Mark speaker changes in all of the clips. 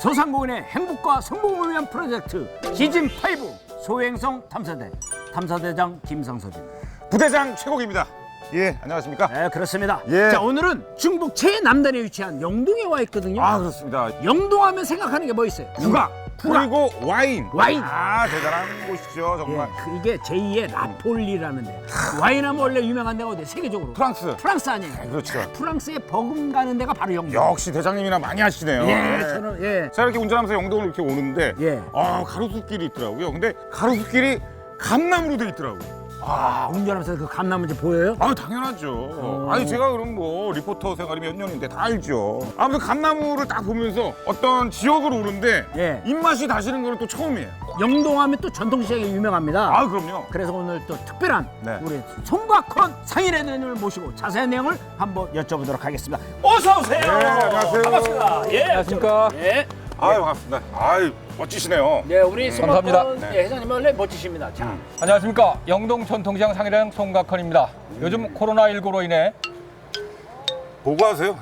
Speaker 1: 소상공인의 행복과 성공을 위한 프로젝트 시즌5 소행성 탐사대 탐사대장 김상섭입니다.
Speaker 2: 부대장 최국입니다. 예, 안녕하십니까?
Speaker 1: 네, 그렇습니다.
Speaker 2: 예.
Speaker 1: 자, 오늘은 중북 최남단에 위치한 영동에 와 있거든요.
Speaker 2: 아, 그렇습니다.
Speaker 1: 영동하면 생각하는 게 뭐 있어요?
Speaker 2: 국악, 그리고 와인.
Speaker 1: 와인.
Speaker 2: 아, 대단한 곳이죠, 정말.
Speaker 1: 예, 이게 제2의 라폴리라는 데. 와인하면 원래 유명한 데가 어디? 세계적으로.
Speaker 2: 프랑스.
Speaker 1: 프랑스 아니에요?
Speaker 2: 그렇죠.
Speaker 1: 프랑스에 버금가는 데가 바로 영동.
Speaker 2: 역시 대장님이나 많이 하시네요.
Speaker 1: 예, 저는 예.
Speaker 2: 제가 이렇게 운전하면서 영동을 이렇게 오는데
Speaker 1: 예.
Speaker 2: 가로수길이 있더라고요. 근데 가로수길이 감나무로 돼 있더라고요.
Speaker 1: 운전하면서 그 감나무지 보여요?
Speaker 2: 아, 당연하죠. 아니, 제가 그럼 뭐 리포터 생활이 몇 년인데 다 알죠. 아무튼 감나무를 딱 보면서 어떤 지역으로 오는데
Speaker 1: 예.
Speaker 2: 입맛이 다시는 거는 또 처음이에요.
Speaker 1: 영동하면 또 전통시장이 유명합니다.
Speaker 2: 아, 그럼요.
Speaker 1: 그래서 오늘 또 특별한
Speaker 2: 네.
Speaker 1: 우리 송각헌 상인회장님을 모시고 자세한 내용을 한번 여쭤보도록 하겠습니다. 어서 오세요.
Speaker 2: 네, 안녕하세요.
Speaker 1: 반갑습니다. 예,
Speaker 3: 안녕하십니까.
Speaker 1: 예.
Speaker 2: 아유, 반갑습니다. 아유, 멋지시네요.
Speaker 1: 네, 우리
Speaker 3: 감사합니다.
Speaker 1: 송각헌 회장님 원래 멋지십니다. 자,
Speaker 3: 안녕하십니까. 영동 전통시장 상인회장 송각헌입니다. 요즘 코로나19로 인해
Speaker 2: 보고하세요.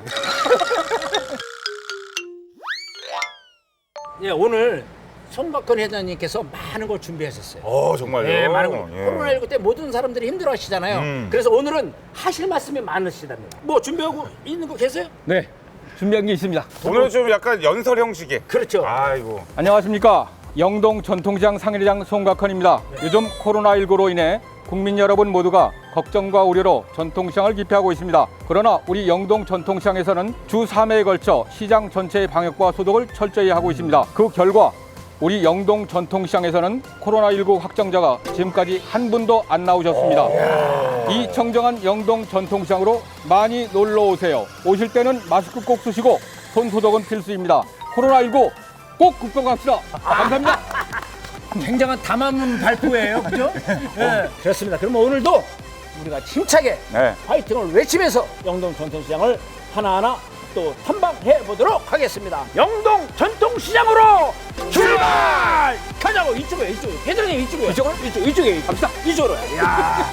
Speaker 1: 예, 오늘 송각헌 회장님께서 많은 걸 준비하셨어요.
Speaker 2: 정말요?
Speaker 1: 네, 많은 걸.
Speaker 2: 예.
Speaker 1: 코로나19 때 모든 사람들이 힘들어하시잖아요. 그래서 오늘은 하실 말씀이 많으시답니다. 뭐 준비하고 있는 거 계세요?
Speaker 3: 네 준비한 게 있습니다.
Speaker 2: 오늘은 좀 약간 연설 형식의.
Speaker 1: 그렇죠.
Speaker 2: 아이고.
Speaker 3: 안녕하십니까. 영동 전통시장 상인회장 송각헌입니다. 요즘 코로나19로 인해 국민 여러분 모두가 걱정과 우려로 전통시장을 기피하고 있습니다. 그러나 우리 영동 전통시장에서는 주 3회에 걸쳐 시장 전체의 방역과 소독을 철저히 하고 있습니다. 그 결과 우리 영동 전통시장에서는 코로나19 확정자가 지금까지 한 분도 안 나오셨습니다. 이 청정한 영동 전통시장으로 많이 놀러 오세요. 오실 때는 마스크 꼭 쓰시고 손 소독은 필수입니다. 코로나19 꼭 극복합시다. 감사합니다.
Speaker 1: 굉장한 담화문 발표예요, 그죠? 네, 그렇습니다. 그러면 오늘도 우리가 힘차게
Speaker 2: 네.
Speaker 1: 파이팅을 외치면서 영동 전통시장을 하나하나 또 탐방해 보도록 하겠습니다. 영동 전통시장으로 출발! 가자고 이쪽에 회장님 이쪽에 이쪽에 갑시다. 이쪽으로. 야,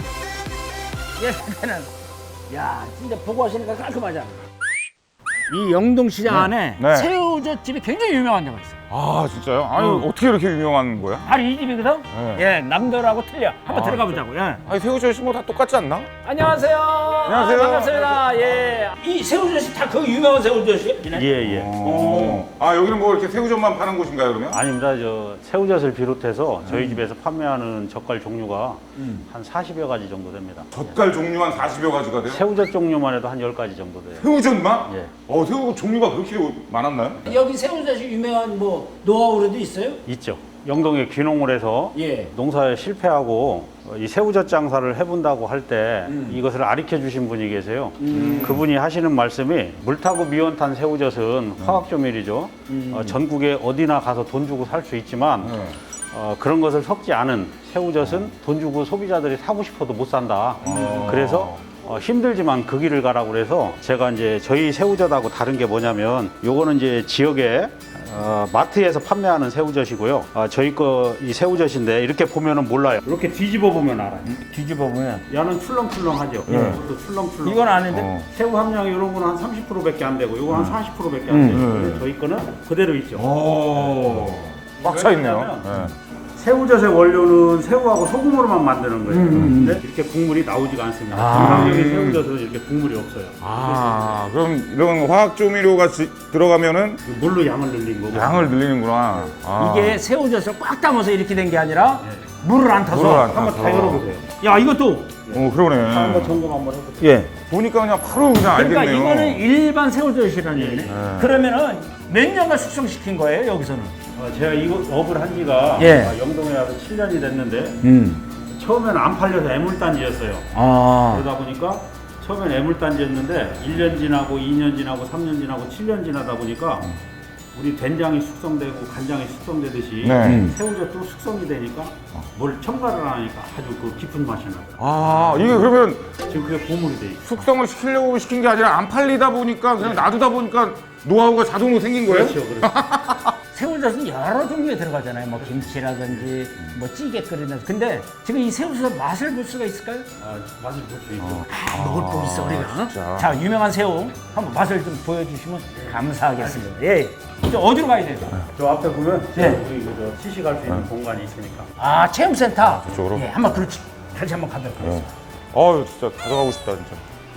Speaker 1: 얘는 야 진짜 보고 하시니까 깔끔하지 않나? 이 영동시장 안에
Speaker 2: 네.
Speaker 1: 새우젓집이 굉장히 유명한 데가 있어요.
Speaker 2: 아, 진짜요? 아니, 어떻게 이렇게 유명한 거야?
Speaker 1: 바로 이 집이거든?
Speaker 2: 네.
Speaker 1: 예, 남들하고 틀려. 한번
Speaker 2: 아,
Speaker 1: 들어가 보자고. 예.
Speaker 2: 아니, 새우젓이 뭐 다 똑같지 않나?
Speaker 1: 안녕하세요.
Speaker 2: 안녕하세요.
Speaker 1: 반갑습니다. 예. 이 새우젓이 다 그 유명한 새우젓이에요?
Speaker 4: 예.
Speaker 2: 아, 여기는 뭐 이렇게 새우젓만 파는 곳인가요, 그러면?
Speaker 4: 아닙니다. 저 새우젓을 비롯해서 저희 집에서 판매하는 젓갈 종류가 한 40여 가지 정도 됩니다.
Speaker 2: 젓갈 종류 한 40여 가지가 돼요?
Speaker 4: 새우젓 종류만 해도 한 10가지 정도 돼요.
Speaker 2: 새우젓만?
Speaker 4: 예.
Speaker 2: 새우 종류가 그렇게 많았나요?
Speaker 1: 여기 새우젓이 유명한 뭐 노하우라도 있어요?
Speaker 4: 있죠. 영동에 귀농을 해서
Speaker 1: 예.
Speaker 4: 농사에 실패하고 이 새우젓 장사를 해본다고 할 때 이것을 가르쳐 주신 분이 계세요. 그분이 하시는 말씀이 물 타고 미원 탄 새우젓은 화학조밀이죠. 전국에 어디나 가서 돈 주고 살 수 있지만 그런 것을 섞지 않은 새우젓은 돈 주고 소비자들이 사고 싶어도 못 산다. 그래서 힘들지만 그 길을 가라고 그래서 제가 이제 저희 새우젓하고 다른 게 뭐냐면 요거는 이제 지역에 마트에서 판매하는 새우젓이고요. 저희 거 이 새우젓인데 이렇게 보면은 몰라요. 이렇게 뒤집어 보면 알아요.
Speaker 1: 뒤집어 보면.
Speaker 4: 야는 출렁출렁하죠. 이것도 출렁출렁.
Speaker 1: 이건 아닌데?
Speaker 4: 새우 함량이 이런 거는 한 30%밖에 안 되고 이거 한 40%밖에 안 돼요. 근데 저희 거는 그대로 있죠.
Speaker 2: 꽉 차 있네요.
Speaker 4: 왜냐하면 새우젓의 원료는 새우하고 소금으로만 만드는 거예요. 근데 이렇게 국물이 나오지가 않습니다. 정상적인 새우젓은 이렇게 국물이 없어요.
Speaker 2: 그럼 이런 화학 조미료가 들어가면
Speaker 4: 물로 양을 늘린 거고.
Speaker 2: 양을 늘리는구나.
Speaker 1: 이게 새우젓을 꽉 담아서 이렇게 된 게 아니라 물을 안 타서.
Speaker 2: 물을 안
Speaker 4: 한번
Speaker 2: 타서.
Speaker 4: 다 열어보세요.
Speaker 1: 야, 이것도.
Speaker 2: 그러네.
Speaker 4: 한번 점검 한번 해보세요.
Speaker 1: 예.
Speaker 2: 보니까 그냥 바로 그냥
Speaker 1: 그러니까
Speaker 2: 알겠네요.
Speaker 1: 이거는 일반 새우젓이라는 얘기네. 그러면은 몇 년간 숙성시킨 거예요, 여기서는?
Speaker 4: 제가 이거 업을 한 지가
Speaker 1: 예.
Speaker 4: 영동에 와서 7년이 됐는데 처음에는 안 팔려서 애물단지였어요. 그러다 보니까 처음엔 애물단지였는데 1년 지나고 2년 지나고 3년 지나고 7년 지나다 보니까 우리 된장이 숙성되고 간장이 숙성되듯이
Speaker 2: 네.
Speaker 4: 새우젓도 숙성이 되니까 뭘 첨가를 안 하니까 아주 그 깊은 맛이 나요.
Speaker 2: 이게 그러면
Speaker 4: 지금 그게 보물이 돼 있어요.
Speaker 2: 숙성을 시키려고 시킨 게 아니라 안 팔리다 보니까 그냥 놔두다 보니까 노하우가 자동으로 생긴 거예요?
Speaker 4: 그렇죠.
Speaker 1: 새우젓은 여러 종류에 들어가잖아요. 뭐 김치라든지 뭐 찌개 끓이면서. 근데 지금 이 새우젓 맛을 볼 수가 있을까요?
Speaker 4: 맛을 볼 수 있죠.
Speaker 1: 먹을 법 있어 우리가. 자, 유명한 새우 한번 맛을 좀 보여주시면 감사하겠습니다. 예. 이제 어디로 가야 돼요?
Speaker 4: 저 앞에 보면
Speaker 1: 네.
Speaker 4: 우리 저 시식할 수 있는 공간이 있으니까.
Speaker 1: 아, 체험센터.
Speaker 2: 저쪽으로?
Speaker 1: 예, 한번 그렇지. 다시 한번 가도록 하겠습니다.
Speaker 2: 어우 진짜 가져가고 싶다 진짜.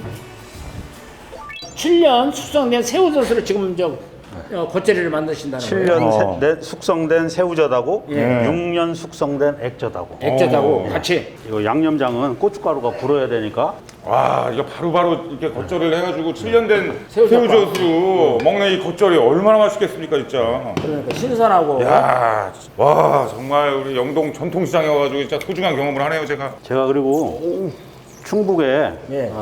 Speaker 1: 7년 숙성된 새우젓으로 지금 겉절이를 만드신다는 거예요.
Speaker 4: 7년 숙성된 새우젓하고
Speaker 1: 예.
Speaker 4: 6년 숙성된 액젓하고.
Speaker 1: 액젓하고 같이.
Speaker 4: 이거 양념장은 고춧가루가 불어야 되니까
Speaker 2: 와 이거 바로바로 이렇게 겉절이를 해가지고 7년 된
Speaker 1: 새우젓밥.
Speaker 2: 새우젓으로 먹는 이 겉절이 얼마나 맛있겠습니까 진짜.
Speaker 1: 그러니까 신선하고.
Speaker 2: 야, 와 정말 우리 영동 전통시장에 와가지고 진짜 소중한 경험을 하네요 제가.
Speaker 4: 제가 그리고 충북에
Speaker 1: 예.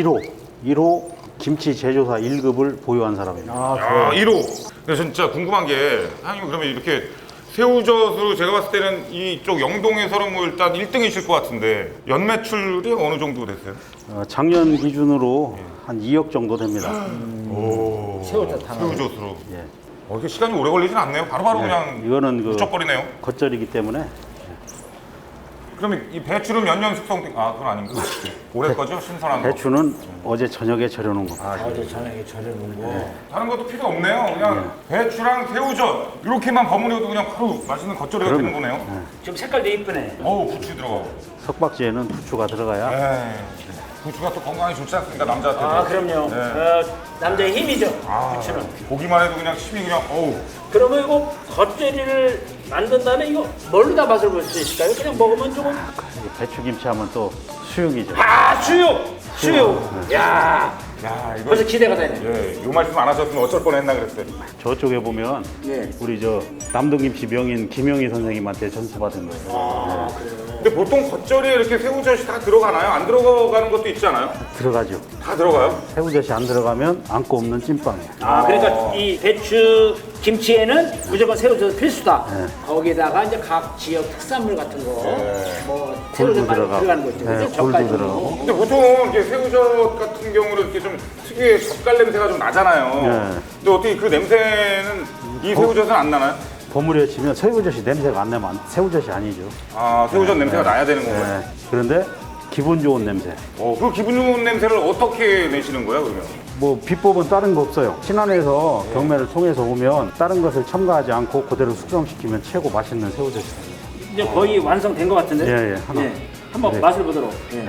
Speaker 4: 1호 김치 제조사 1급을 보유한 사람입니다.
Speaker 2: 야 1호. 근데 진짜 궁금한 게 사장님 그러면 이렇게 새우젓으로 제가 봤을 때는 이쪽 영동에서는 뭐 일단 1등이실 것 같은데 연매출이 어느 정도 됐어요?
Speaker 4: 작년 기준으로 한 2억 정도 됩니다.
Speaker 2: 오,
Speaker 1: 새우젓 하나.
Speaker 2: 새우젓으로.
Speaker 4: 예.
Speaker 2: 이렇게 시간이 오래 걸리진 않네요. 바로바로 그냥
Speaker 4: 이거는 그
Speaker 2: 무척거리네요.
Speaker 4: 겉절이기 때문에
Speaker 2: 그러면 이 배추는 몇 년 숙성된? 아 그건 아닌가? 올해 거죠? 신선한 거.
Speaker 4: 배추는 어제 저녁에 절여놓은 거.
Speaker 1: 어제 저녁에 절여놓은 거.
Speaker 2: 다른 것도 필요 없네요. 그냥 배추랑 새우젓 이렇게만 버무려도 그냥 바로 맛있는 겉절이가 되는 거네요.
Speaker 1: 지금 색깔도 이쁘네.
Speaker 2: 어우 부추 들어가고.
Speaker 4: 석박지에는 부추가 들어가야
Speaker 2: 네. 부추가 또 건강에 좋지 않습니까 남자한테도.
Speaker 1: 아, 그럼요.
Speaker 2: 네.
Speaker 1: 남자의 힘이죠.
Speaker 2: 아,
Speaker 1: 부추는.
Speaker 2: 보기만 해도 그냥 침이 그냥 어우.
Speaker 1: 그러면 이거 겉절이를 만든 다음에 이거 뭘로 다 맛을 볼 수 있을까요? 그냥 먹으면 조금.
Speaker 4: 배추김치 하면 또 수육이죠.
Speaker 1: 아, 수육! 수육! 야,
Speaker 2: 야 이거.
Speaker 1: 벌써 기대가 되네.
Speaker 2: 예, 요 말씀 안 하셨으면 어쩔 뻔했나 그랬어요.
Speaker 4: 저쪽에 보면
Speaker 1: 네.
Speaker 4: 우리 저 남동김치 명인 김영희 선생님한테 전수받은 거예요.
Speaker 2: 근데 보통 겉절이에 이렇게 새우젓이 다 들어가나요? 안 들어가는 것도 있지 않아요?
Speaker 4: 들어가죠.
Speaker 2: 다 들어가요?
Speaker 4: 새우젓이 안 들어가면 안고 없는 찐빵이에요.
Speaker 1: 아, 그러니까 이 배추 김치에는 무조건 새우젓 필수다. 거기다가 이제 각 지역 특산물 같은 거, 뭐 새우젓 많이
Speaker 4: 들어가고.
Speaker 1: 들어가는 거 있죠.
Speaker 4: 네,
Speaker 1: 그죠?
Speaker 4: 굴도
Speaker 1: 젓갈
Speaker 4: 들어가고.
Speaker 2: 근데 보통 이렇게 새우젓 같은 경우는 이렇게 좀 특유의 젓갈 냄새가 좀 나잖아요.
Speaker 4: 네.
Speaker 2: 근데 어떻게 그 냄새는 이 새우젓은 안 나나요?
Speaker 4: 버무려 치면 새우젓이 냄새가 안 나면 새우젓이 아니죠.
Speaker 2: 아, 새우젓 냄새가 나야 되는 건가요?
Speaker 4: 네. 그런데 기분 좋은 냄새.
Speaker 2: 그 기분 좋은 냄새를 어떻게 내시는 거예요, 그러면?
Speaker 4: 뭐 비법은 다른 거 없어요. 신안에서 경매를 통해서 오면 다른 것을 첨가하지 않고 그대로 숙성시키면 최고 맛있는 새우젓이 됩니다.
Speaker 1: 이제 거의 완성된 것 같은데.
Speaker 4: 예, 하나.
Speaker 1: 한번
Speaker 4: 네.
Speaker 1: 맛을 보도록. 예.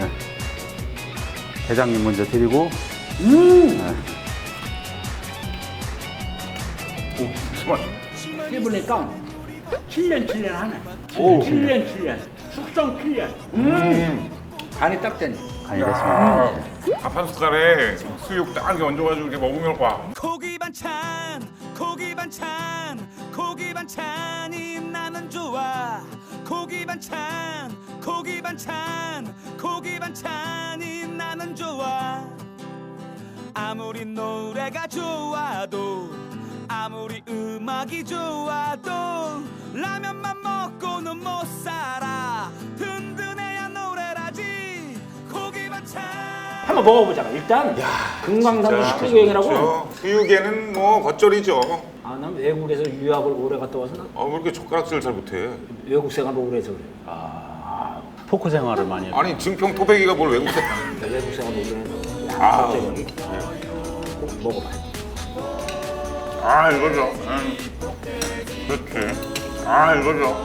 Speaker 4: 대장님 먼저 드리고
Speaker 1: 해보니까 7년 하네. 7년. 숙성 7년. 간이 딱 되네.
Speaker 4: 간이 됐습니다.
Speaker 2: 밥 한 숟갈에 수육 딱 이렇게 얹어가지고 이렇게 먹으면 와.
Speaker 5: 고기 반찬 고기 반찬 고기 반찬이 나는 좋아 고기 반찬 고기 반찬 고기 반찬이 나는 좋아 아무리 노래가 좋아도 아무리 음악이 좋아도 라면만 먹고는 못 살아 든든해야 노래라지 고기 반찬
Speaker 1: 한번 먹어보자. 일단 금강산도 식후 여행이라고.
Speaker 2: 그렇죠. 수육에는 뭐 겉절이죠.
Speaker 1: 아, 난 외국에서 유학을 오래 갔다 와서 난
Speaker 2: 왜 이렇게 젓가락질을 잘 못해?
Speaker 1: 외국 생활을 오래 해서 그래.
Speaker 4: 포크 생활을 많이 해요.
Speaker 2: 아니 증평 토백이가 뭘 외국 생?
Speaker 1: 외국 생활을 오래 해서.
Speaker 2: 아,
Speaker 1: 꼭 먹어봐.
Speaker 2: 아 이거죠. 그렇지. 아 이거죠.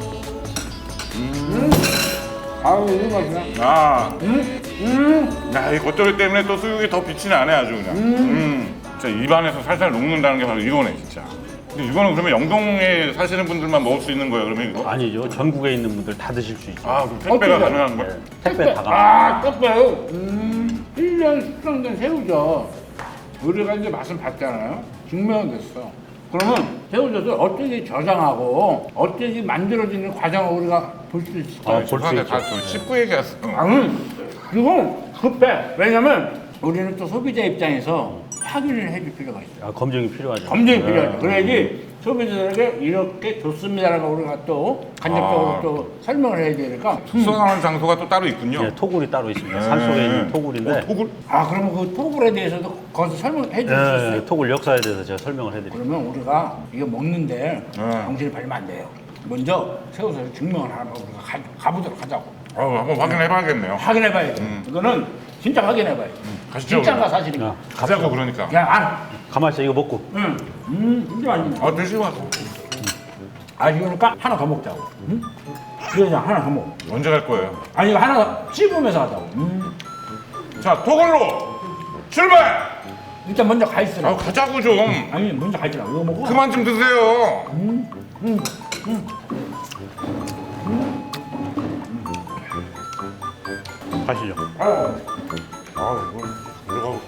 Speaker 1: 아유, 이거 맛이야.
Speaker 2: 야, 이 겉절이 때문에 또 수육이 더 빛이 나네 아주 그냥. 진짜 입안에서 살살 녹는다는 게 바로 이거네 진짜. 근데 이거는 그러면 영동에 사시는 분들만 먹을 수 있는 거예요 그러면 이거?
Speaker 4: 아니죠. 전국에 있는 분들 다 드실 수 있죠.
Speaker 2: 아, 그럼 택배가 가능한 거야?
Speaker 4: 택배 다 가.
Speaker 6: 떡배요. 1년 숙성된 새우젓. 우리가 이제 맛을 봤잖아요. 증명됐어. 그러면 새우젓을 어떻게 저장하고 어떻게 만들어지는 과정을 우리가 볼 수 있을까요?
Speaker 2: 죄송한데 다 씹고 얘기했어.
Speaker 6: 그건 급해. 왜냐면 우리는 또 소비자 입장에서 확인을 해줄 필요가 있어요.
Speaker 4: 검증이 필요하죠.
Speaker 6: 검증이 필요하죠. 그래야지 소비자들에게 이렇게 좋습니다라고 우리가 또 간접적으로 또 설명을 해야 되니까
Speaker 2: 숙성하는 장소가 또 따로 있군요.
Speaker 4: 예, 토굴이 따로 있습니다. 산속에 있는 토굴인데
Speaker 2: 토굴?
Speaker 6: 그러면 그 토굴에 대해서도 거기서 설명해 줄 수 있어요?
Speaker 4: 예, 토굴 역사에 대해서 제가 설명을 해드릴게요.
Speaker 6: 그러면 우리가 이거 먹는데 정신이 팔리면 안 돼요. 먼저 새우젓을 증명을 하는 거 우리가 가보도록 하자고.
Speaker 2: 한번 확인해봐야겠네요.
Speaker 6: 확인해봐야 돼. 이거는 진짜 확인해봐야 돼.
Speaker 2: 가시죠,
Speaker 6: 진짜가
Speaker 2: 그럼.
Speaker 6: 사실인가?
Speaker 2: 가자고 그러니까.
Speaker 6: 그냥 안.
Speaker 4: 가만히 있어, 이거 먹고.
Speaker 6: 진짜 맛있네.
Speaker 2: 드시고 와서.
Speaker 6: 이거니까 하나 더 먹자고. 응? 그래서 하나 더 먹어.
Speaker 2: 언제 갈 거예요?
Speaker 6: 아니 이거 하나 더 씹으면서 하자고.
Speaker 2: 자, 토굴로 출발!
Speaker 6: 일단 먼저 가 있으라.
Speaker 2: 가자고 좀.
Speaker 6: 아니 먼저 가 있으라. 이거 먹고.
Speaker 2: 그만 좀 드세요.
Speaker 4: 가시죠.
Speaker 2: 이거 들어가고.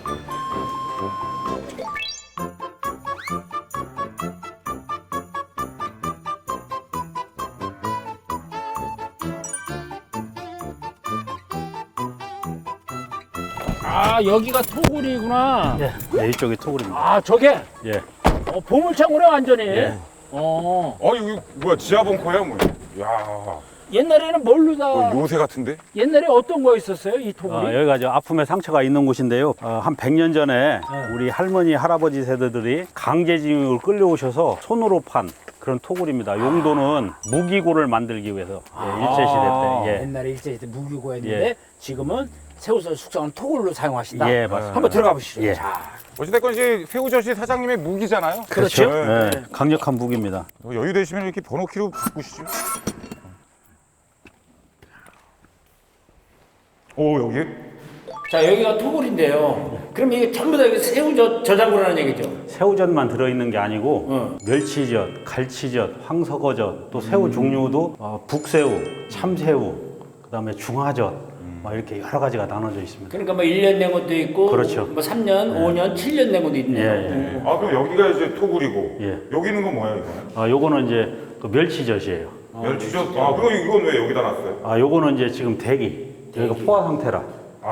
Speaker 1: 여기가 토굴이구나.
Speaker 4: 네, 이쪽이 토굴입니다.
Speaker 1: 저게
Speaker 4: 예.
Speaker 1: 보물창고네 완전히.
Speaker 4: 예.
Speaker 2: 이거 뭐야? 지하 벙커야 뭐야? 야,
Speaker 1: 옛날에는 뭘로 다
Speaker 2: 요새 같은데?
Speaker 1: 옛날에 어떤 거 있었어요? 이 토굴이?
Speaker 4: 여기가 저 아픔의 상처가 있는 곳인데요. 한 100년 전에 우리 할머니, 할아버지 세대들이 강제징용을 끌려오셔서 손으로 판 그런 토굴입니다. 용도는 무기고를 만들기 위해서 일제시대 때. 예.
Speaker 1: 옛날에 일제시대 무기고였는데
Speaker 4: 예.
Speaker 1: 지금은 새우젓 숙성은 토굴로 사용하신다.
Speaker 4: 예, 맞습니다.
Speaker 1: 한번 들어가 보시죠.
Speaker 4: 예.
Speaker 1: 자,
Speaker 2: 어찌됐건 이제 새우젓이 사장님의 무기잖아요.
Speaker 1: 그렇죠.
Speaker 2: 네.
Speaker 4: 예, 강력한 무기입니다.
Speaker 2: 여유 되시면 이렇게 번호키로 바꾸시죠. 여기?
Speaker 1: 자 여기가 토굴인데요. 그럼 이게 전부 다 이게 새우젓 저장고라는 얘기죠.
Speaker 4: 새우젓만 들어있는 게 아니고 멸치젓, 갈치젓, 황석어젓, 또 새우 종류도 북새우, 참새우, 그다음에 중화젓 막 이렇게 여러 가지가 나눠져 있습니다.
Speaker 1: 그러니까 뭐 1년 된 것도 있고,
Speaker 4: 그렇죠.
Speaker 1: 뭐 3년, 5년, 7년 된 것도 있네요.
Speaker 4: 예.
Speaker 2: 그럼 여기가 이제 토굴이고
Speaker 4: 예.
Speaker 2: 여기 있는 건 뭐야 이거는?
Speaker 4: 요거는 이제 그 멸치젓이에요.
Speaker 2: 멸치젓? 그럼 이건 왜 여기다 놨어요?
Speaker 4: 요거는 이제 지금 대기. 여기가 포화 상태라.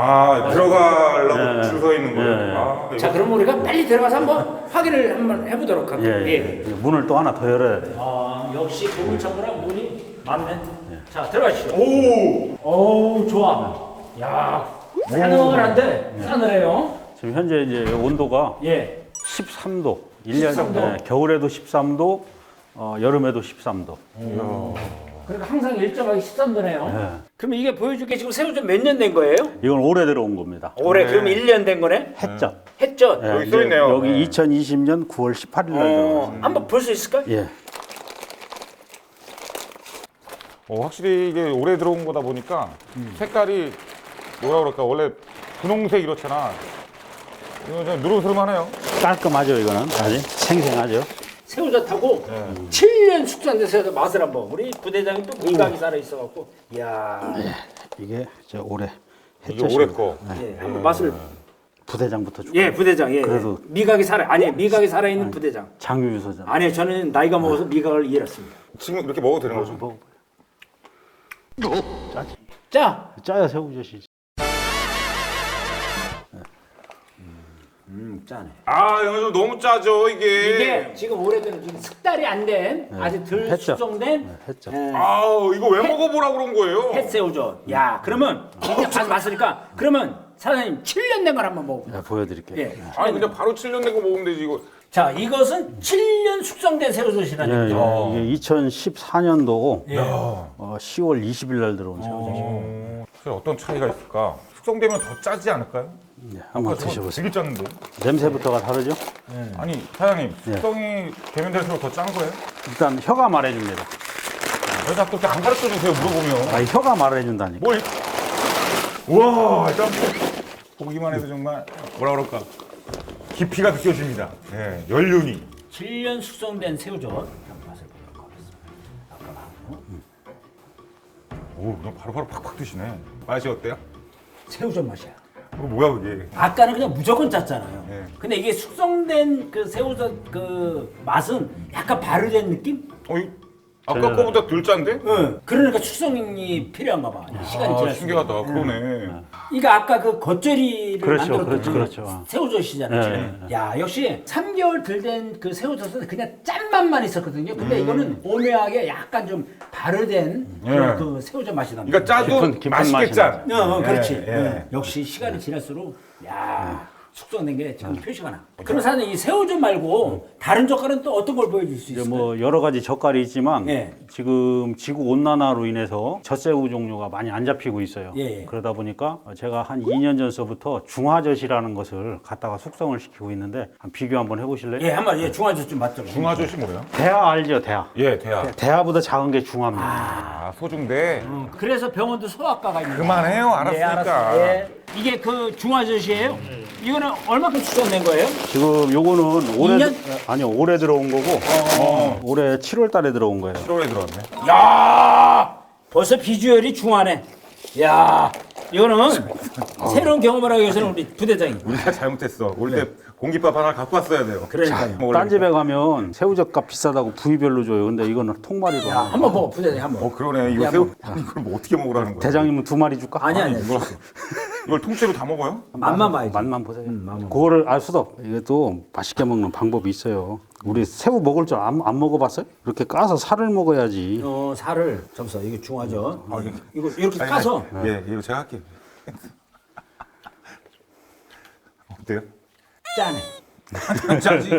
Speaker 2: 들어가려고
Speaker 4: 예.
Speaker 2: 줄 서 있는 거예요?
Speaker 4: 예.
Speaker 2: 이거.
Speaker 1: 자, 그럼 우리가 빨리 들어가서 한번 확인을 한번 해보도록 할게요.
Speaker 4: 예. 문을 또 하나 더 열어야 돼요.
Speaker 1: 역시 보물창고랑 문이 많네. 자, 들어가시죠.
Speaker 2: 오!
Speaker 1: 좋아. 야, 싸늘한데 싸늘해요.
Speaker 4: 지금 현재 이제 온도가
Speaker 1: 예.
Speaker 4: 13도. 1년
Speaker 1: 13도?
Speaker 4: 겨울에도 13도, 여름에도 13도.
Speaker 1: 그러니까 항상 일정하게 13도네요.
Speaker 4: 예.
Speaker 1: 그럼 이게 보여줄 게 지금 새우젓 몇 년 된 거예요?
Speaker 4: 이건 올해 들어온 겁니다.
Speaker 1: 올해 그럼 1년 된 거네?
Speaker 4: 햇젓.
Speaker 1: 했죠?
Speaker 4: 예,
Speaker 2: 여기 써 있네요.
Speaker 4: 여기 2020년 9월 18일 날 들어왔습니다.
Speaker 1: 한번 볼 수 있을까요?
Speaker 4: 예.
Speaker 2: 확실히 이게 오래 들어온 거다 보니까 색깔이 뭐라 그럴까 원래 분홍색 이렇잖아. 이거 좀 누름스름하네요.
Speaker 4: 깔끔하죠, 이거는. 아직 생생하죠.
Speaker 1: 새우젓하고 7년 숙성된 새우젓 맛을 한번. 우리 부대장이 또 미각이 살아 있어갖고, 이야,
Speaker 4: 이게 저 올해
Speaker 2: 이게 올해 거.
Speaker 1: 예, 한번 맛을.
Speaker 4: 부대장부터 줄게요.
Speaker 1: 예, 부대장. 예,
Speaker 4: 그래도-
Speaker 1: 미각이 살아. 아니, 미각이 살아 있는 부대장.
Speaker 4: 장유유서잖아.
Speaker 1: 아니, 저는 나이가 먹어서 미각을 잃었습니다.
Speaker 2: 지금 이렇게 먹어도 되는 거죠?
Speaker 4: 짜지.
Speaker 1: 자,
Speaker 4: 짜야 새우젓이지.
Speaker 1: 짜네.
Speaker 2: 이거 좀 너무 짜죠 이게.
Speaker 1: 이게 지금 오래된 지금 숙달이 안 된 아직 덜
Speaker 4: 햇젓.
Speaker 1: 숙성된
Speaker 4: 햇젓.
Speaker 2: 이거 왜 먹어보라 그런 거예요?
Speaker 1: 햇새우젓. 야, 그러면 이제 가서 봤으니까 그러면 사장님 7년 된 걸 한번 먹어보세요.
Speaker 4: 자, 보여드릴게요.
Speaker 1: 예.
Speaker 2: 그냥 바로 7년 된 거 먹으면 되지 이거.
Speaker 1: 자, 이것은 7년 숙성된 새우젓이라는 얘기죠.
Speaker 4: 이게 2014년도
Speaker 1: 예.
Speaker 4: 10월 20일 날 들어온 새우젓이에요.
Speaker 2: 어떤 차이가 있을까? 숙성되면 더 짜지 않을까요?
Speaker 4: 네, 한번 드셔보세요.
Speaker 2: 되게 짰는데.
Speaker 4: 냄새부터가 다르죠?
Speaker 2: 아니 사장님 숙성이 되면 될수록 더 짠 거예요?
Speaker 4: 일단 혀가 말해줍니다.
Speaker 2: 왜 자꾸 이렇게 안 가르쳐 주세요 물어보면.
Speaker 4: 혀가 말해준다니까.
Speaker 2: 뭘? 우와 짠. 보기만 해도 정말 뭐라 그럴까 깊이가 느껴집니다. 예, 연륜이.
Speaker 1: 7년 숙성된 새우젓 한번 맛을 보도록 하겠습니다.
Speaker 2: 그냥 바로바로 팍팍 드시네. 맛이 어때요?
Speaker 1: 새우젓 맛이야.
Speaker 2: 이거 뭐야 그게?
Speaker 1: 아까는 그냥 무조건 짰잖아요.
Speaker 2: 예.
Speaker 1: 근데 이게 숙성된 그 새우젓 그 맛은 약간 발효된 느낌?
Speaker 2: 아까 거보다 덜 짠데?
Speaker 1: 응. 그러니까 숙성이 필요한가 봐. 시간이
Speaker 2: 아,
Speaker 1: 지날수록.
Speaker 2: 신기하다. 그러네.
Speaker 1: 그러니까 아까 그 겉절이를
Speaker 4: 그렇죠,
Speaker 1: 만들었던
Speaker 4: 그렇죠.
Speaker 1: 새우젓이잖아요. 지금. 야 역시 3개월 덜 된 그 새우젓은 그냥 짠맛만 있었거든요. 근데 이거는 오묘하게 약간 좀 발효된 그 새우젓 맛이 납니다.
Speaker 2: 그러니까 짜도
Speaker 4: 깊은
Speaker 2: 맛있게
Speaker 4: 맛이
Speaker 2: 짠.
Speaker 1: 그렇지.
Speaker 2: 예.
Speaker 1: 역시 시간이 지날수록 숙성된 게 지금 표시가 나. 그럼 사장님 이 새우젓 말고 다른 젓갈은 또 어떤 걸 보여줄 수
Speaker 4: 이제
Speaker 1: 있어요?
Speaker 4: 뭐 여러 가지 젓갈이 있지만
Speaker 1: 예.
Speaker 4: 지금 지구 온난화로 인해서 젖새우 종류가 많이 안 잡히고 있어요.
Speaker 1: 예.
Speaker 4: 그러다 보니까 제가 한 2년 전서부터 중화젓이라는 것을 갖다가 숙성을 시키고 있는데 비교 한번 해보실래요?
Speaker 1: 예, 한번 중화젓 좀 맛좀.
Speaker 2: 중화젓이 뭐예요?
Speaker 4: 대하 알죠, 대하.
Speaker 2: 예, 대야.
Speaker 4: 대하보다 작은 게 중화입니다.
Speaker 2: 아, 소중대.
Speaker 1: 그래서 병원도 소아과가 있는
Speaker 2: 그만해요. 알았으니까.
Speaker 1: 알았어요. 예. 이게 그 중화젓이에요? 이거는 얼마큼 숙성된 거예요?
Speaker 4: 지금 요거는 올해
Speaker 1: 2년?
Speaker 4: 아니요, 올해 들어온 거고 올해 7월 달에 들어온 거예요.
Speaker 2: 7월에 들어왔네.
Speaker 1: 야 벌써 비주얼이 중화네. 야 이거는 새로운 경험을 하기 위해서는 우리 부대장이.
Speaker 2: 우리가 잘못했어. 올 때 공깃밥 하나 갖고 왔어야 돼요.
Speaker 1: 그러니까요.
Speaker 4: 딴 집에 가면 새우젓 값 비싸다고 부위별로 줘요. 근데 이거는 통마리로.
Speaker 1: 야, 한번 먹어 부대장이 한번.
Speaker 2: 그러네. 이거
Speaker 1: 야,
Speaker 2: 새우. 아니, 이걸 뭐 어떻게 먹으라는 거야?
Speaker 4: 대장님은 2마리 줄까?
Speaker 1: 아니.
Speaker 2: 이걸 통째로 다 먹어요?
Speaker 1: 맛만 봐야지.
Speaker 4: 맛만 보세요. 그거를 수덕 이것도 맛있게 먹는 방법이 있어요. 우리 새우 먹을 줄 안 먹어봤어요? 이렇게 까서 살을 먹어야지.
Speaker 1: 살을 잠시만 이거 중화젓. 이거 이렇게 까서.
Speaker 2: 예, 이거 제가 할게요. 어때요?
Speaker 1: 짜네.
Speaker 2: 짜지.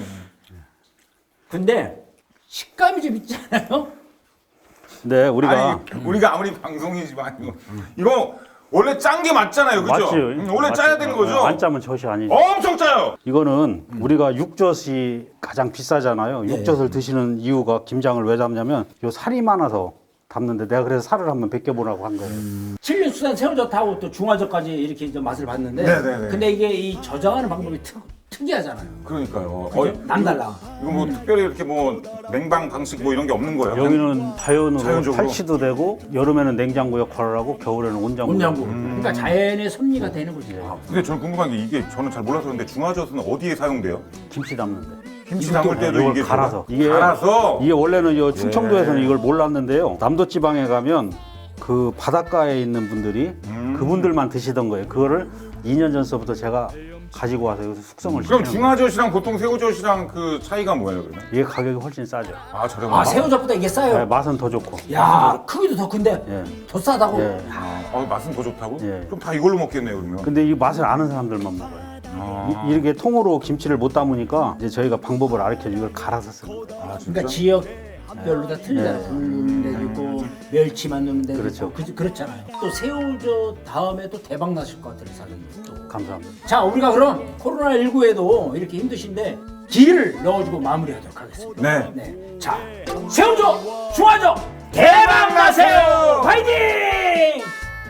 Speaker 1: 근데 식감이 좀 있잖아요.
Speaker 4: 네, 우리가
Speaker 2: 우리가 아무리 방송이지만 이거 원래 짠 게 맞잖아요, 그죠?
Speaker 4: 맞죠.
Speaker 2: 원래 짜야 되는 거죠?
Speaker 4: 안 짜면 젖이 아니죠.
Speaker 2: 엄청 짜요.
Speaker 4: 이거는 우리가 육젓이 가장 비싸잖아요. 육젓을 드시는 이유가 김장을 왜 담냐면 요 살이 많아서 담는데 내가 그래서 살을 한번 벗겨보라고 한 거예요.
Speaker 1: 칠륜수산 새우젓하고 또 중화젓까지 이렇게 이제 맛을 봤는데,
Speaker 2: 네네네.
Speaker 1: 근데 이게 이 저장하는 방법이 특이하잖아요.
Speaker 2: 그러니까요.
Speaker 1: 남달라.
Speaker 2: 이거 뭐 특별히 이렇게 뭐 냉방 방식 뭐 이런 게 없는 거예요?
Speaker 4: 여기는 자연으로
Speaker 2: 자연적으로?
Speaker 4: 탈취도 되고 여름에는 냉장고 역할을 하고 겨울에는 온장고.
Speaker 1: 온장고. 그러니까 자연의 섭리가 되는 거지.
Speaker 2: 근데 저는 궁금한 게 이게 저는 잘 몰라서 그런데 중화젓은 어디에 사용돼요?
Speaker 4: 김치 담는데.
Speaker 2: 김치 담글 때도
Speaker 4: 이걸
Speaker 2: 이게
Speaker 4: 갈아서.
Speaker 2: 뭐가? 갈아서.
Speaker 4: 이게 원래는 요 충청도에서는 이걸 몰랐는데요. 남도 지방에 가면 그 바닷가에 있는 분들이 그분들만 드시던 거예요. 그거를 2년 전서부터 제가 가지고 와서 여기서 숙성을
Speaker 2: 그럼
Speaker 4: 시키는 거예요.
Speaker 2: 중화젓이랑 보통 새우젓이랑 그 차이가 뭐예요, 그러면?
Speaker 4: 이게 가격이 훨씬 싸죠.
Speaker 2: 아, 저렴하다.
Speaker 1: 새우젓보다 이게 싸요.
Speaker 4: 네, 맛은 더 좋고.
Speaker 1: 야, 크기도 더 큰데
Speaker 4: 예.
Speaker 1: 더 싸다고.
Speaker 4: 예.
Speaker 2: 맛은 더 좋다고?
Speaker 4: 예.
Speaker 2: 그럼 다 이걸로 먹겠네요, 그러면.
Speaker 4: 근데 이 맛을 아는 사람들만 먹어요. 이렇게 통으로 김치를 못 담으니까 이제 저희가 방법을 가르쳐 이걸 갈아서 씁니다.
Speaker 1: 그러니까 지역별로 다 틀리잖아요. 넣는 데도 있고 멸치만 넣는 데도
Speaker 4: 그렇죠.
Speaker 1: 있고 그렇잖아요. 또 새우젓 다음에 또 대박 나실 것 같아요, 사장님. 또.
Speaker 4: 감사합니다.
Speaker 1: 자, 우리가 그럼 코로나19에도 이렇게 힘드신데 기를 넣어주고 마무리하도록 하겠습니다.
Speaker 2: 네.
Speaker 1: 자, 새우젓, 중화젓 대박 나세요! 파이팅!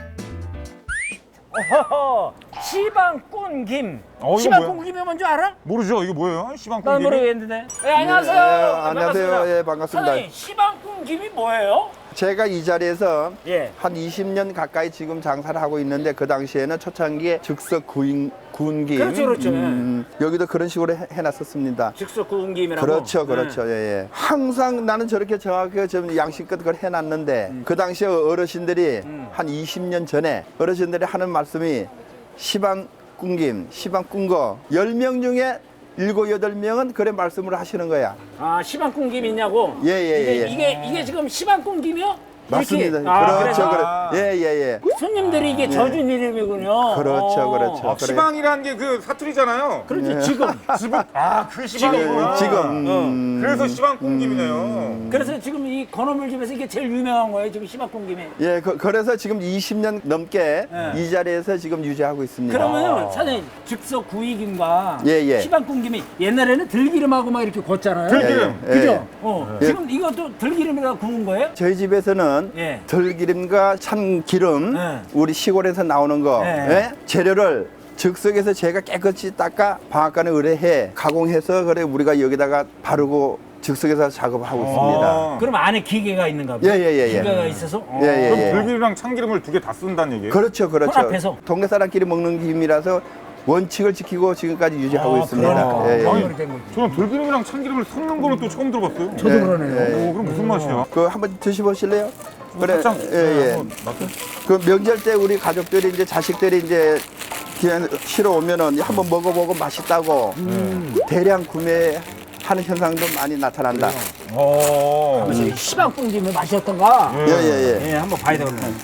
Speaker 1: 어허허, 시방꾼김.
Speaker 2: 이거
Speaker 1: 시방꾼김이 뭔지 알아?
Speaker 2: 모르죠? 이게 뭐예요?
Speaker 1: 난
Speaker 2: 시방콩
Speaker 1: 모르겠는데. 안녕하세요.
Speaker 7: 안녕하세요. 예, 반갑습니다.
Speaker 1: 사장님, 시방꾼김이 뭐예요?
Speaker 7: 제가 이 자리에서
Speaker 1: 예.
Speaker 7: 한 20년 가까이 지금 장사를 하고 있는데 그 당시에는 초창기에 즉석 구운김
Speaker 1: 그렇죠.
Speaker 7: 여기도 그런 식으로 해놨었습니다.
Speaker 1: 즉석 구운김이라고.
Speaker 7: 그렇죠, 그렇죠. 예, 예. 항상 나는 저렇게 정확하게 좀 양심껏 그걸 해놨는데 그 당시에 어르신들이 한 20년 전에 어르신들이 하는 말씀이 시방꾼김, 시방꾼거 10명 중에 7, 8명은 그래 말씀을 하시는 거야.
Speaker 1: 아, 시방꾼김 있냐고?
Speaker 7: 예.
Speaker 1: 이게 지금 시방꾼김이요?
Speaker 7: 맞습니다.
Speaker 1: 이렇게?
Speaker 7: 그렇죠, 예.
Speaker 1: 손님들이 이게 져준 이름이군요.
Speaker 7: 그렇죠, 그렇죠.
Speaker 2: 아, 시방이라는 게 그 사투리잖아요.
Speaker 1: 그렇지, 지금.
Speaker 2: 그 시방이구나.
Speaker 7: 지금.
Speaker 2: 그래서 시방콩김이네요.
Speaker 1: 그래서 지금 이 건어물 집에서 이게 제일 유명한 거예요, 지금 시방꾼김이.
Speaker 7: 예, 그래서 지금 20년 넘게 이 자리에서 지금 유지하고 있습니다.
Speaker 1: 그러면 사장님, 즉석 구이김과
Speaker 7: 예.
Speaker 1: 시방꾼김이 옛날에는 들기름하고 막 이렇게 구웠잖아요.
Speaker 2: 들기름.
Speaker 7: 예,
Speaker 1: 그죠?
Speaker 7: 예.
Speaker 1: 지금 이것도 들기름이라 구운 거예요?
Speaker 7: 저희 집에서는
Speaker 1: 예.
Speaker 7: 들기름과 참기름,
Speaker 1: 예.
Speaker 7: 우리 시골에서 나오는 거,
Speaker 1: 예.
Speaker 7: 예? 재료를 즉석에서 제가 깨끗이 닦아 방앗간에 의뢰해 가공해서 그래 우리가 여기다가 바르고 즉석에서 작업하고 있습니다.
Speaker 1: 그럼 안에 기계가 있는가 봐요?
Speaker 7: 예.
Speaker 1: 기계가 있어서?
Speaker 7: 예.
Speaker 2: 들기름이랑 참기름을 두 개 다 쓴다는 얘기예요?
Speaker 7: 그렇죠.
Speaker 1: 혼합해서?
Speaker 7: 동네 사람끼리 먹는 김이라서 원칙을 지키고 지금까지 유지하고 있습니다.
Speaker 1: 그러니까.
Speaker 7: 예, 예.
Speaker 1: 아니, 된 거지.
Speaker 2: 저는 들기름이랑 참기름을 섞는 거는 또 처음 들어봤어요.
Speaker 1: 저도 그러네요.
Speaker 2: 오, 그럼 무슨 맛이야?
Speaker 7: 그 한번 드셔보실래요? 그래,
Speaker 2: 살짝,
Speaker 7: 예, 예.
Speaker 2: 한번 맛을.
Speaker 7: 그 명절 때 우리 가족들이 이제 자식들이 이제 쉬러 오면은 한번 먹어보고 맛있다고 대량 구매하는 현상도 많이 나타난다.
Speaker 2: 어.
Speaker 1: 시방풍김의 맛이 어떤가?
Speaker 7: 예, 예, 예.
Speaker 1: 예, 한번 봐야 되겠네.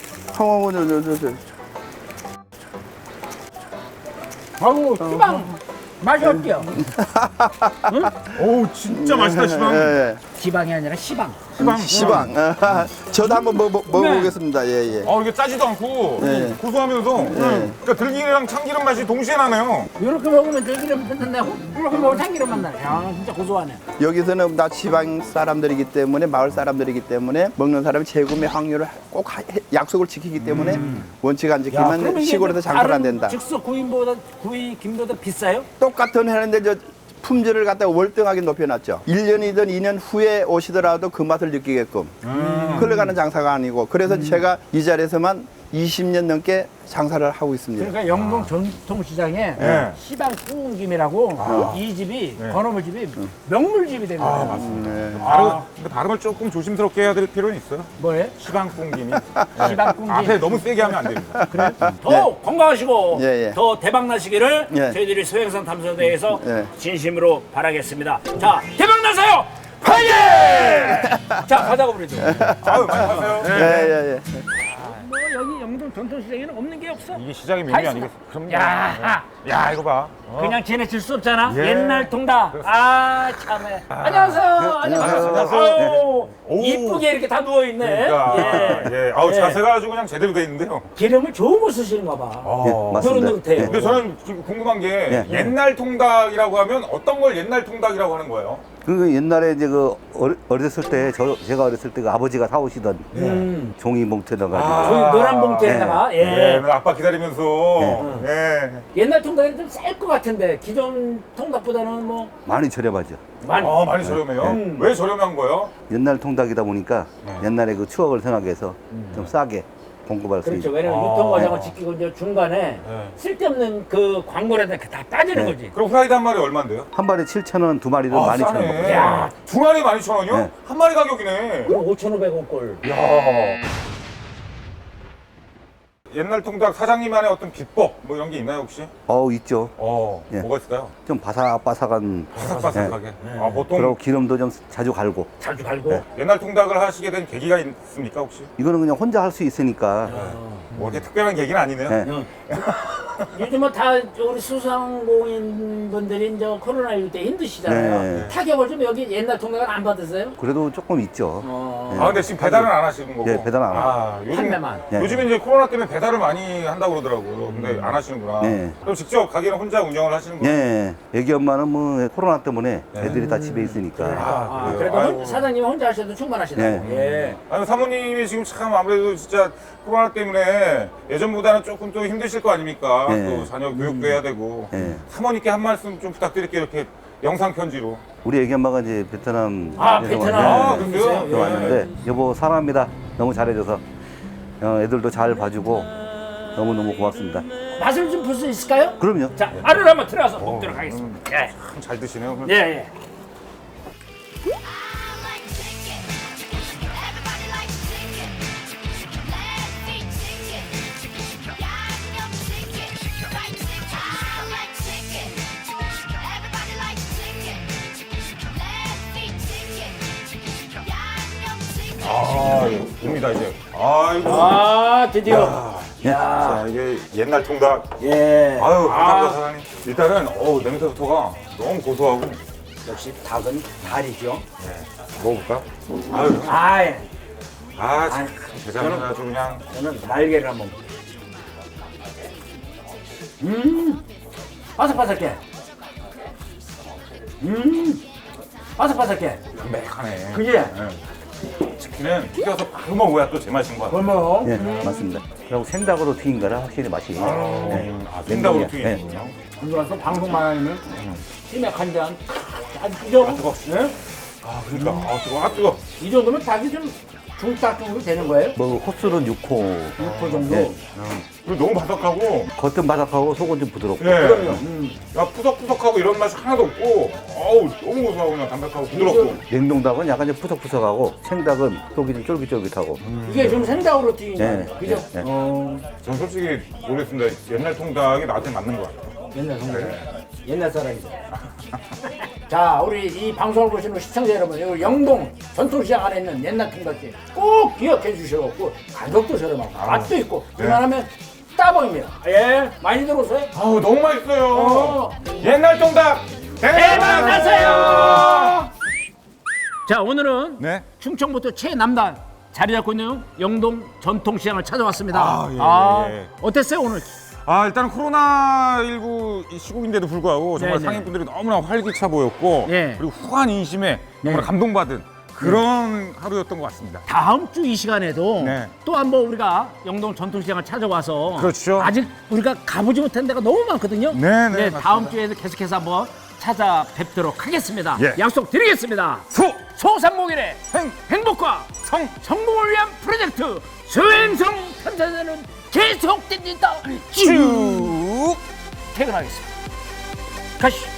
Speaker 1: 아우, 시방 맛이 어때요?
Speaker 2: 오, 진짜 맛있다, 시방.
Speaker 7: 예,
Speaker 1: 지방이 아니라 시방.
Speaker 7: 시방. 저도 한번 먹어보겠습니다. 예, 예.
Speaker 2: 이게 짜지도 않고
Speaker 7: 네.
Speaker 2: 고소하면서 그러니까 들기름이랑 참기름 맛이 동시에 나네요.
Speaker 1: 이렇게 먹으면 들기름 끝난다고? 이렇게 먹으면 참기름 맛 나네. 야, 진짜 고소하네.
Speaker 7: 여기서는 다 지방 사람들이기 때문에 마을 사람들이기 때문에 먹는 사람이 재구매 확률을 꼭 약속을 지키기 때문에 원칙 안 지키면 시골에서 장사를 안 된다.
Speaker 1: 즉석 구이김보다 비싸요?
Speaker 7: 똑같은 해는데 저 품질을 갖다가 월등하게 높여놨죠. 1년이든 2년 후에 오시더라도 그 맛을 느끼게끔 흘러가는 장사가 아니고 그래서 제가 이 자리에서만 20년 넘게 장사를 하고 있습니다.
Speaker 1: 그러니까 영동 전통시장에
Speaker 2: 네.
Speaker 1: 시방 구운김이라고 이 집이 건어물 집이 명물집이 됩니다.
Speaker 2: 맞습니다. 근데 발음을 조금 조심스럽게 해야 될 필요는 있어요.
Speaker 1: 뭐예요?
Speaker 2: 시방꿍김이.
Speaker 1: 시방 구운김.
Speaker 2: 앞에 너무 세게 하면 안 됩니다.
Speaker 1: 그래? 더 건강하시고
Speaker 7: 예, 예.
Speaker 1: 더 대박 나시기를
Speaker 7: 예.
Speaker 1: 저희들이 소행성 탐사대에서
Speaker 7: 예.
Speaker 1: 진심으로 바라겠습니다. 자, 대박 나세요! 화이팅! 자, 가자고 그러죠.
Speaker 2: 아유, 많이 가세요.
Speaker 7: 예, 예, 예.
Speaker 1: 뭐 여기 영동 전통시장에는 없는 게 없어.
Speaker 2: 이게 시장의
Speaker 1: 다
Speaker 2: 묘미
Speaker 1: 있어.
Speaker 2: 아니겠어? 그럼요.
Speaker 1: 야,
Speaker 2: 야, 이거 봐.
Speaker 1: 그냥 지나칠 수 없잖아.
Speaker 2: 예.
Speaker 1: 옛날 통닭. 아, 참해. 안녕하세요. 안녕하세요. 아유,
Speaker 2: 오.
Speaker 1: 이쁘게 이렇게 다 누워 있네.
Speaker 2: 그러니까 예. 아우,
Speaker 1: 예.
Speaker 2: 자세가 아주 그냥 제대로 돼 있는데요.
Speaker 1: 기름을 좋은 거 쓰시는가 봐. 노릇노릇해요.
Speaker 2: 근데 저는 지금 궁금한 게 옛날 통닭이라고 하면 어떤 걸 옛날 통닭이라고 하는 거예요?
Speaker 8: 그 옛날에 이제 그 어렸을 때 제가 어렸을 때 그 아버지가 사오시던 종이 봉투에 넣어가지고
Speaker 1: 저기 노란 봉투에다가
Speaker 2: 예, 아빠 기다리면서. 예.
Speaker 1: 옛날 통닭이 좀 쌀 것 같은데 기존 통닭보다는 뭐
Speaker 8: 많이 저렴하죠.
Speaker 1: 많이
Speaker 2: 많이 저렴해요. 왜 저렴한 거예요?
Speaker 8: 옛날 통닭이다 보니까 옛날에 그 추억을 생각해서 좀 싸게 공급할 수
Speaker 1: 그렇죠.
Speaker 8: 있죠.
Speaker 1: 왜냐면 유통 과정을 지키고 이제 중간에 쓸데없는 그 광고라든 다 빠지는
Speaker 8: 네.
Speaker 1: 거지.
Speaker 2: 그럼 후라이드 한 마리 얼마인데요?
Speaker 8: 한 마리 7,000원, 두 마리는 12,000원.
Speaker 2: 싸네.
Speaker 1: 야.
Speaker 2: 두 마리 12,000원이요?
Speaker 8: 네.
Speaker 2: 한 마리 가격이네.
Speaker 1: 그럼 5,500원 꼴.
Speaker 2: 옛날 통닭 사장님만의 어떤 비법 뭐 이런 게 있나요 혹시?
Speaker 8: 있죠. 예.
Speaker 2: 뭐가 있을까요?
Speaker 8: 좀 바삭바삭한.
Speaker 2: 바삭바삭하게.
Speaker 8: 네.
Speaker 2: 보통
Speaker 8: 그리고 기름도 좀 자주 갈고.
Speaker 1: 자주 갈고.
Speaker 8: 네.
Speaker 2: 옛날 통닭을 하시게 된 계기가 있습니까 혹시?
Speaker 8: 이거는 그냥 혼자 할 수 있으니까.
Speaker 2: 뭐 이렇게 특별한 계기는 아니네요.
Speaker 8: 네.
Speaker 1: 요즘은 다 우리 소상공인 분들이 이제 코로나19 때 힘드시잖아요.
Speaker 8: 네.
Speaker 1: 타격을 좀 여기 옛날 통닭은 안 받으세요?
Speaker 8: 그래도 조금 있죠. 네.
Speaker 2: 근데 지금 배달은 안 하시는 거고?
Speaker 8: 네, 배달 안 하고.
Speaker 2: 요즘,
Speaker 1: 판매만.
Speaker 8: 네.
Speaker 2: 요즘에 이제 코로나 때문에 배달을 많이 한다고 그러더라고요. 근데 안 하시는구나.
Speaker 8: 네.
Speaker 2: 그럼 직접 가게는 혼자 운영을 하시는구나.
Speaker 8: 예. 애기 엄마는 뭐 코로나 때문에 애들이 다 집에 있으니까.
Speaker 2: 그래요?
Speaker 1: 그래도
Speaker 2: 아이고.
Speaker 1: 사장님이 혼자 하셔도 충분하시다고.
Speaker 8: 네.
Speaker 1: 예.
Speaker 2: 아니, 사모님이 지금 참 아무래도 진짜 코로나 때문에 예전보다는 조금 또 힘드실 거 아닙니까?
Speaker 8: 네.
Speaker 2: 또 자녀 교육도 해야 되고.
Speaker 8: 네.
Speaker 2: 사모님께 한 말씀 좀 부탁드릴게요. 이렇게 영상 편지로.
Speaker 8: 우리 애기 엄마가 이제 베트남
Speaker 2: 베트남. 그러세요?
Speaker 8: 또 왔는데 여보 사랑합니다. 너무 잘해줘서 애들도 잘 봐주고 너무너무 고맙습니다.
Speaker 1: 맛을 좀 볼 수 있을까요?
Speaker 8: 그럼요.
Speaker 1: 자, 알을 한번 들어가서 먹도록 하겠습니다. 예.
Speaker 2: 참 잘 드시네요.
Speaker 1: 예, 예.
Speaker 2: 옵니다 이제. 아이고.
Speaker 1: 아, 드디어.
Speaker 2: 자, 이게 옛날 통닭.
Speaker 1: 예.
Speaker 2: 아유, 감사합니다, 사장님. 일단은, 냄새부터가 너무 고소하고.
Speaker 1: 역시 닭은 달이죠.
Speaker 2: 먹어볼까? 아유,
Speaker 1: 아, 예.
Speaker 2: 참, 대장님 아주 그냥.
Speaker 1: 저는 날개를 한번. 바삭바삭해. 바삭바삭해.
Speaker 2: 담백하네.
Speaker 1: 그지?
Speaker 2: 치킨은 튀겨서 바로 먹어야 또 제맛인 것 같아요.
Speaker 1: 어머.
Speaker 8: 예, 맞습니다. 그리고 생닭으로 튀긴 거라 확실히 맛이 있어요. 네.
Speaker 2: 생닭으로
Speaker 8: 냉동이야.
Speaker 2: 튀기는군요.
Speaker 6: 들어와서 방송만 하면
Speaker 1: 치맥 한 잔. 아주 그죠?
Speaker 2: 뜨거워.
Speaker 1: 네?
Speaker 2: 아, 그러니까. 뜨거워.
Speaker 1: 이 정도면 닭이 좀 중딱 정도 되는 거예요?
Speaker 8: 뭐 호수는 6호.
Speaker 1: 6호 정도?
Speaker 8: 예.
Speaker 2: 그리고 너무 바삭하고
Speaker 8: 겉은 바삭하고 속은 좀 부드럽고.
Speaker 2: 예.
Speaker 1: 그럼요.
Speaker 2: 야, 푸석푸석하고 이런 맛이 하나도 없고 어우 너무 고소하고 그냥 담백하고 부드럽고
Speaker 8: 냉동닭은 약간 좀 푸석푸석하고 생닭은 속이 좀 쫄깃쫄깃하고.
Speaker 1: 이게 좀 생닭으로 튀긴
Speaker 8: 네,
Speaker 1: 거예요. 그죠?
Speaker 8: 네, 네.
Speaker 2: 전 솔직히 모르겠습니다. 옛날 통닭이 나한테 맞는 것 같아요.
Speaker 1: 옛날 성대. 옛날 사람이죠. 자, 우리 이 방송을 보시는 시청자 여러분, 이 영동 전통시장 안에 있는 옛날 통닭집 꼭 기억해 주셔갖고 가격도 저렴하고 맛도 있고 그만하면 따봉입니다. 예, 많이 들어오세요.
Speaker 2: 아우 너무 맛있어요. 옛날 통닭 대박
Speaker 1: 나세요. 자, 오늘은
Speaker 2: 네.
Speaker 1: 충청부터 최남단 자리 잡고 있는 영동 전통시장을 찾아왔습니다.
Speaker 2: 아, 예.
Speaker 1: 어땠어요 오늘?
Speaker 2: 아 일단 코로나19 시국인데도 불구하고 정말
Speaker 1: 네네.
Speaker 2: 상인분들이 너무나 활기차 보였고
Speaker 1: 네.
Speaker 2: 그리고 후한 인심에 정말 감동받은 그런 하루였던 것 같습니다.
Speaker 1: 다음 주 이 시간에도
Speaker 2: 네.
Speaker 1: 또 한번 우리가 영동 전통시장을 찾아와서
Speaker 2: 그렇죠.
Speaker 1: 아직 우리가 가보지 못한 데가 너무 많거든요.
Speaker 2: 네, 맞습니다.
Speaker 1: 다음 주에도 계속해서 한번 찾아뵙도록 하겠습니다.
Speaker 2: 예.
Speaker 1: 약속드리겠습니다. 소상공인의 행복과 성공을 위한 프로젝트 수행성 탐사자는 계속됩니다. 쭉 퇴근하겠습니다. 가시죠.